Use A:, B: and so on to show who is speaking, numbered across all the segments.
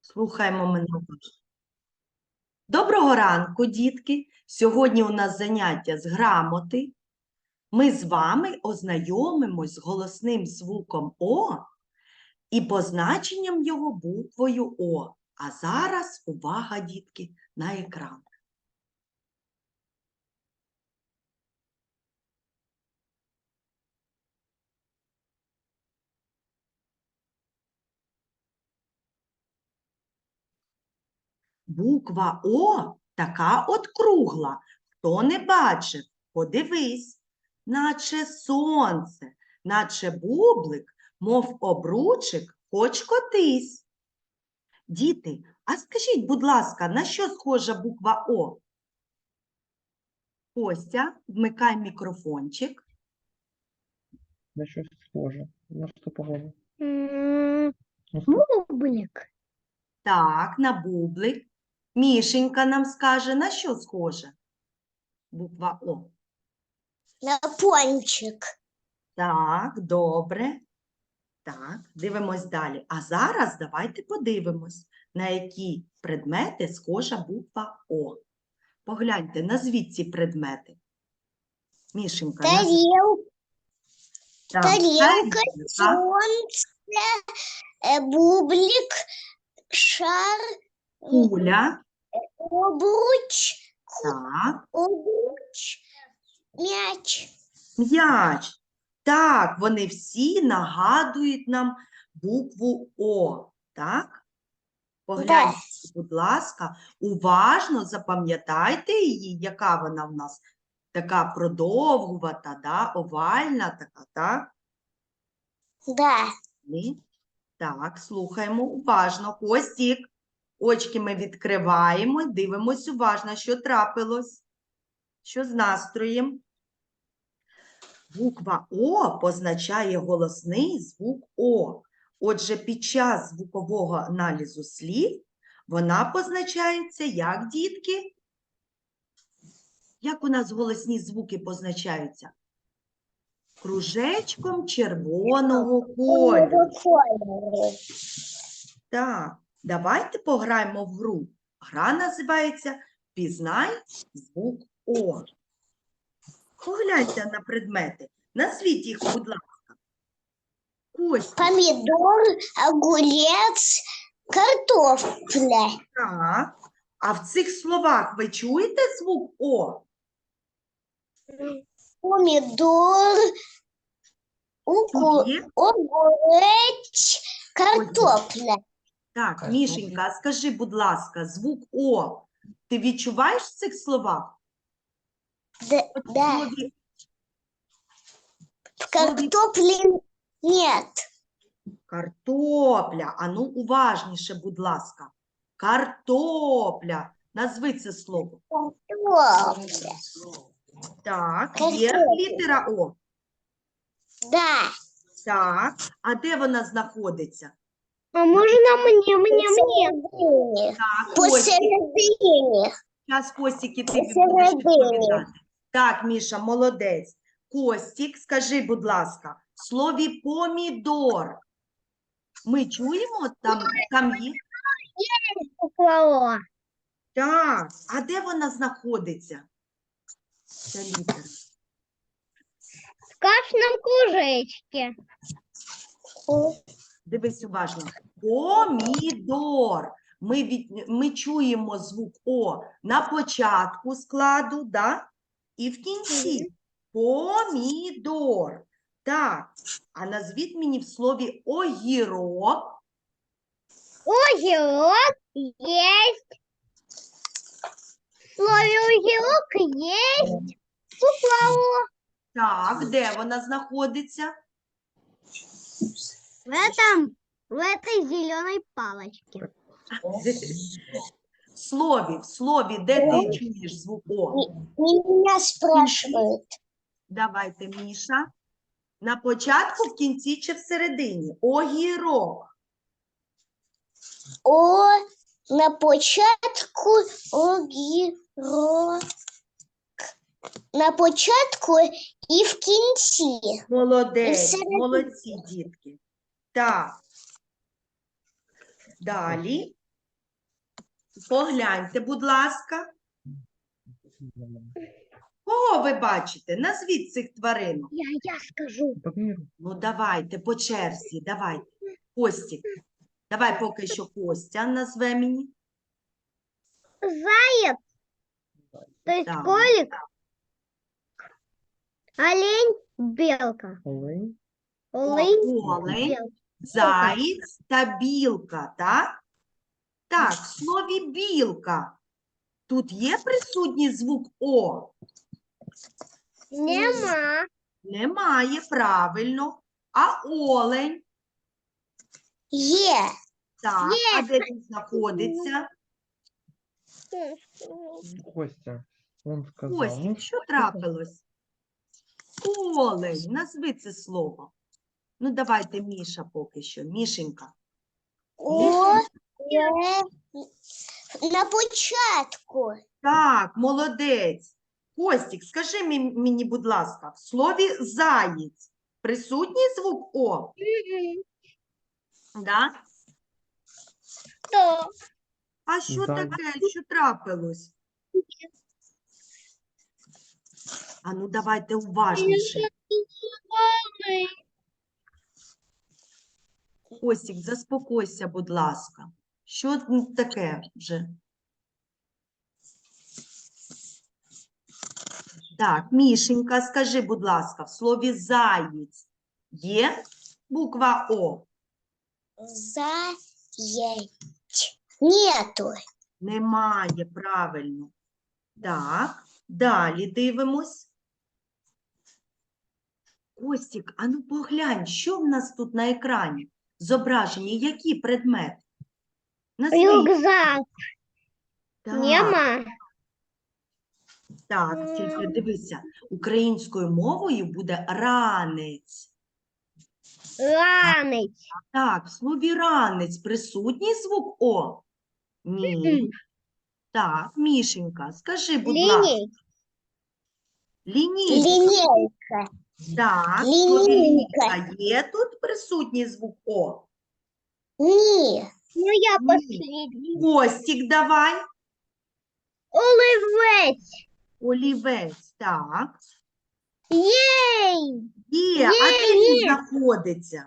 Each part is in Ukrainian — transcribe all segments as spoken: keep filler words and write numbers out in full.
A: Слухаємо мене уважно. Доброго ранку, дітки! Сьогодні у нас заняття з грамоти. Ми з вами ознайомимось з голосним звуком О і позначенням його буквою О. А зараз увага, дітки, на екран. Буква О така от кругла. Хто не бачив, подивись, наче сонце, наче бублик, мов обручик, хоч котись. Діти, а скажіть, будь ласка, на що схожа буква О? Костя, вмикай мікрофончик.
B: На щось схоже. На що похоже?
C: Бублик.
A: Так, на бублик. Мішенька нам скаже, на що схожа буква О?
C: На пончик.
A: Так, добре. Так, дивимось далі. А зараз давайте подивимось, на які предмети схожа буква О. Погляньте, назвіть ці предмети. Мішенька, назви.
C: Тарелка,
A: Так,
C: тарелка,
A: тарілка,
C: солнце, э, бублик, шар,
A: куля,
C: обруч,
A: так,
C: обруч, мяч.
A: м'яч. Так, вони всі нагадують нам букву О, так? Погляньте, будь ласка, уважно запам'ятайте її, яка вона в нас така продовгувата, да? Овальна така, так?
C: Да.
A: Ні? Так, слухаємо уважно. Костік, очки ми відкриваємо, дивимось уважно, що трапилось. Що з настроєм? Буква О позначає голосний звук О. Отже, під час звукового аналізу слів вона позначається як, дітки? Як у нас голосні звуки позначаються? Кружечком червоного кольору. Так, давайте пограємо в гру. Гра називається «Пізнай звук О». Погляньте на предмети. Назвіть їх, будь ласка. Костя.
C: Помидор, огурец, картофля.
A: Так. А в цих словах ви чуєте звук О?
C: Помидор, угу-
A: Є?
C: огурец, картофля.
A: Так, Мішенька, а скажи, будь ласка, звук О ти відчуваєш в цих словах?
C: Да,
A: От в
C: да.
A: слові-
C: В картофле нет.
A: Картопля. Ану, уважніше, будь ласка. Картопля. Назви це слово.
C: Картофля.
A: Так, є
C: Картопля.
A: літера О.
C: Да.
A: Так, а де вона знаходиться?
C: А можно мне, мне, мне?
A: Так, Костік.
C: Посередине.
A: Зараз, Костік, ти будеш
C: Посередині.
A: відповідати. Так, Міша, молодець. Костік, скажи, будь ласка, в слові помідор ми чуємо, там, там є?
C: Буква О.
A: Так, а де вона знаходиться? Ця літера.
C: В кашном кружечке.
A: Дивись уважно. Помідор. Ми, від... ми чуємо звук О на початку складу, да? І в кінці. Помідор. Так, а назвіть мені в слові огірок.
C: Огурок есть. В слове огурок есть. Буква О.
A: Так, де вона знаходиться?
C: В этом, в этой зеленой палочке.
A: В слові, в слові, де ти чуєш звук О?
C: Меня спрашивают.
A: Давайте, Міша. На початку, в кінці чи всередині? Огірок.
C: О, на початку огірок. На початку і в кінці.
A: Молодець,
C: всередині.
A: молодці, дітки. Так. Далі. Погляньте, будь ласка. Кого ви бачите? Назвіть цих тварин.
C: Я, я скажу.
B: По миру.
A: Ну, давайте, по черзі, давайте. Костік, давай поки що Костя назве мені.
C: Заяц, то есть
A: Так.
C: кролик, олень, белка.
B: Олень.
C: Олень,
A: Олень,
C: белка.
A: заєць та білка, так? Так, в слові білка. Тут є присутній звук О?
C: Нема.
A: Немає, правильно. А олень?
C: Є.
A: Так, а де він знаходиться?
B: Костя. Он сказал.
A: Костік,
B: Ну,
A: що трапилось? Олень, назви це слово. Ну, давайте Міша поки що. Мішенька.
C: О, на початку.
A: Так, молодець. Костік, скажи мі- мені, будь ласка, в слові заєць присутній звук О? Да?
C: Что?
A: А що
B: Заєць.
A: таке? Що трапилось? А ну давайте уважніше. Костік, заспокойся, будь ласка. Що н- таке вже? Так, Мішенька, скажи, будь ласка, в слові заєць є буква О?
C: Заять. Нету.
A: Немає, правильно. Так, далі дивимось. Костік, а ну поглянь, що в нас тут на екрані? Зображені, які предмети? Назви їх.
C: Рюкзак.
A: Так,
C: Нема.
A: так, тільки дивися, українською мовою буде ранець.
C: Ранець.
A: Так, в слові ранець присутній звук О? Ні. Так, Мішенька, скажи, будь ласка.
C: Лінійка.
A: Лінійка.
C: Лінійка.
A: Так, в слові
C: Лінійка.
A: лінійка є тут присутній звук О?
C: Ні. Ну я
A: Ні.
C: последний.
A: Костік давай.
C: Оливець.
A: Олівець, так.
C: Єй.
A: Є, а де
C: Є,
A: він
C: є.
A: знаходиться?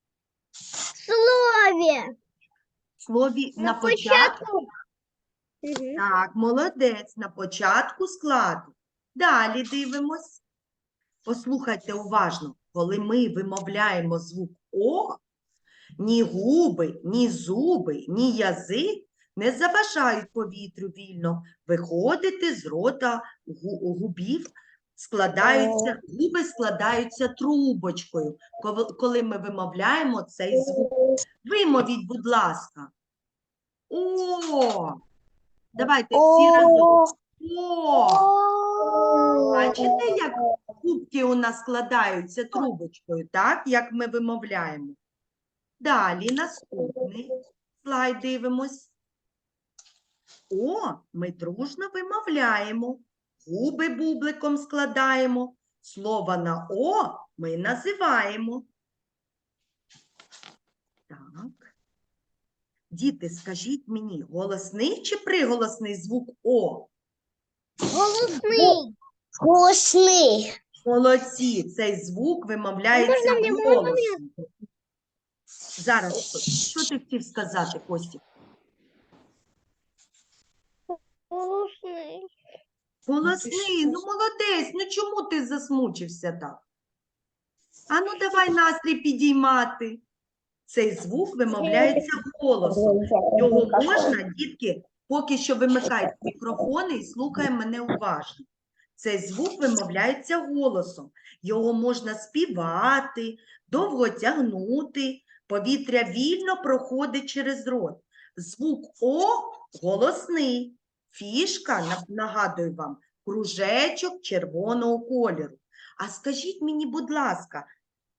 C: Слові.
A: В слові на,
C: На
A: початку.
C: початку. Мгм.
A: Так, молодець, на початку складу. Далі дивимось. Послухайте уважно, коли ми вимовляємо звук О, ні губи, ні зуби, ні язик не заважають повітрю вільно виходити з рота гу- губів, складаються, губи складаються трубочкою, коли- коли ми вимовляємо цей звук. Вимовіть, будь ласка. О! Давайте всі разом. О! Бачите, як губки у нас складаються трубочкою, так? Як ми вимовляємо. Далі наступний слайд дивимось. О, ми дружно вимовляємо. Губи бубликом складаємо. Слово на О ми називаємо. Так. Діти, скажіть мені, голосний чи приголосний звук О?
C: Голосний. Голосний.
A: Молодці, цей звук вимовляється
C: Можна мені, можна
A: голосом. Зараз, що, що ти хотів сказати, Костік?
C: Голосний.
A: Голосний, ну молодець, ну чому ти засмучився так? А ну давай настрій підіймати. Цей звук вимовляється голосом. Його можна, дітки, поки що вимикайте мікрофони і слухай мене уважно. Цей звук вимовляється голосом. Його можна співати, довго тягнути, повітря вільно проходить через рот. Звук О голосний. Фішка, на- нагадую вам, кружечок червоного кольору. А скажіть мені, будь ласка,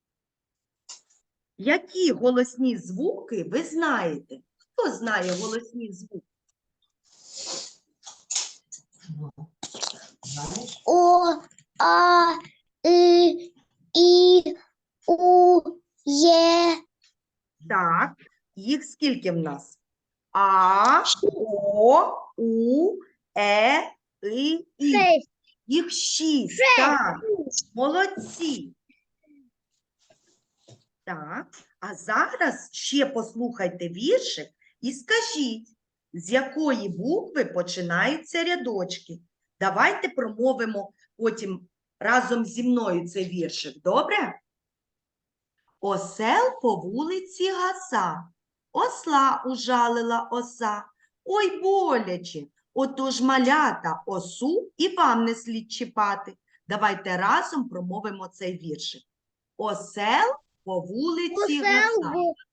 A: які голосні звуки ви знаєте? Хто знає голосні звуки?
C: О, А, И, І, У, Є.
A: Так, їх скільки в нас? А, О, У, Е, И, І.
C: Шесть.
A: Їх шість. Так, молодці. Так, а зараз ще послухайте віршик і скажіть, з якої букви починаються рядочки. Давайте промовимо потім разом зі мною цей віршик, добре? Осел по вулиці гаса, осла ужалила оса. Ой, боляче, отож малята осу і вам не слід чіпати. Давайте разом промовимо цей віршик. Осел по вулиці гаса.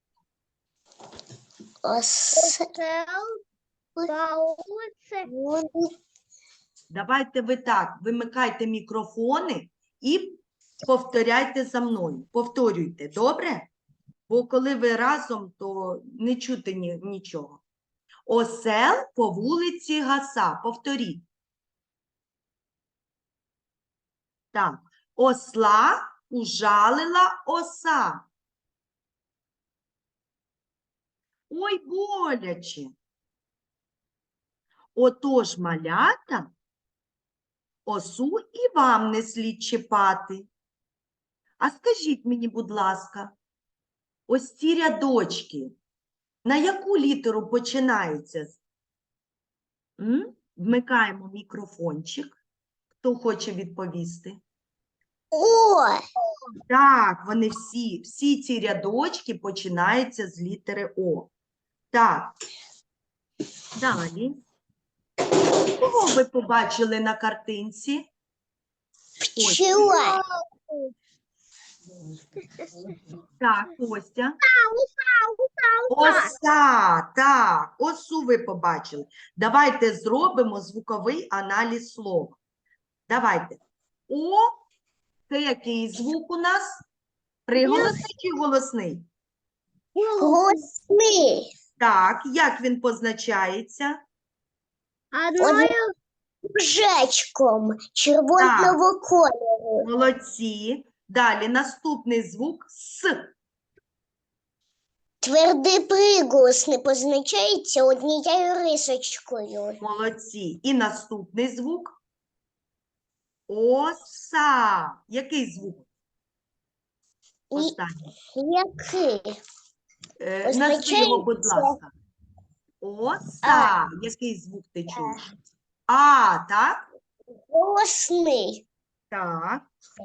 C: Осел по улице.
A: Давайте ви так, вимикайте мікрофони і повторяйте за мною. Повторюйте, добре? Бо коли ви разом, то не чути ні, нічого. Осел по вулиці гаса. Повторіть. Так. Осла ужалила оса. Ой, боляче. Отож, малята, осу і вам не слід чіпати. А скажіть мені, будь ласка, ось ці рядочки, на яку літеру починаються? М? Вмикаємо мікрофончик. Хто хоче відповісти?
C: О,
A: Так, вони всі, всі ці рядочки починаються з літери О. Так. Далі. Кого ви побачили на картинці? Ось.
C: пчела.
A: Так, Костя. Оса, так, осу ви побачили. Давайте зробимо звуковий аналіз слова. Давайте. О, це який звук у нас? Приголосний чи голосний?
C: Голосний.
A: Так, як він позначається?
C: Одною кружечком червоного кольору.
A: Молодці. Далі наступний звук С.
C: Твердий приголосний позначається однією рисочкою.
A: Молодці. І наступний звук Оса. Який звук?
C: І
A: Останній.
C: який?
A: Е, Назви його, будь
C: Позначається.
A: ласка. Оса. Який звук ти чуєш? А, так?
C: Голосний.
A: Так.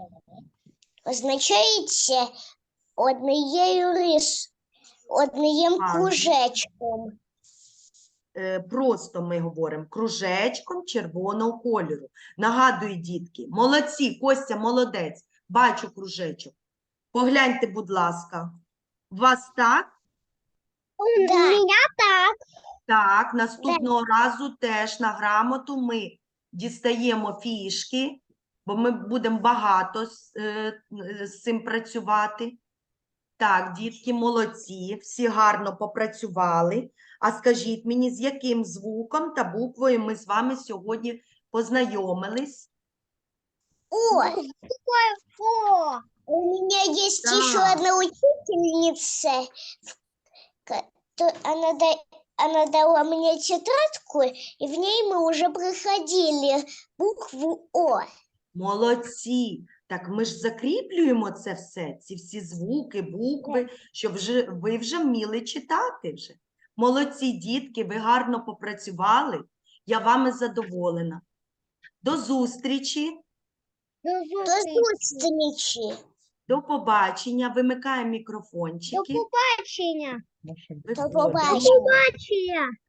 C: Означається однією рис, одним
A: Ага.
C: кружечком.
A: Е, Просто ми говоримо кружечком червоного кольору. Нагадую, дітки, молодці, Костя молодець, бачу кружечок. Погляньте, будь ласка. У вас так?
C: У мене так.
A: Так, наступного разу теж на грамоту ми дістаємо фішки, бо ми будемо багато з, е, з цим працювати. Так, дітки, молодці, всі гарно попрацювали. А скажіть мені, з яким звуком та буквою ми з вами сьогодні познайомились?
C: О, О. У меня есть
A: Да.
C: еще одна учительница. ка- то Она, да- она дала мне тетрадку, и в ней мы уже проходили букву О.
A: Молодці! Так ми ж закріплюємо це все, ці всі звуки, букви, щоб вже, ви вже вміли читати вже. Молодці, дітки, ви гарно попрацювали. Я вами задоволена. До зустрічі,
C: До зустрічі.
A: до побачення. Вимикаємо мікрофончики.
C: побачення.
B: Наша
C: До
A: Виходимо.
C: побачення.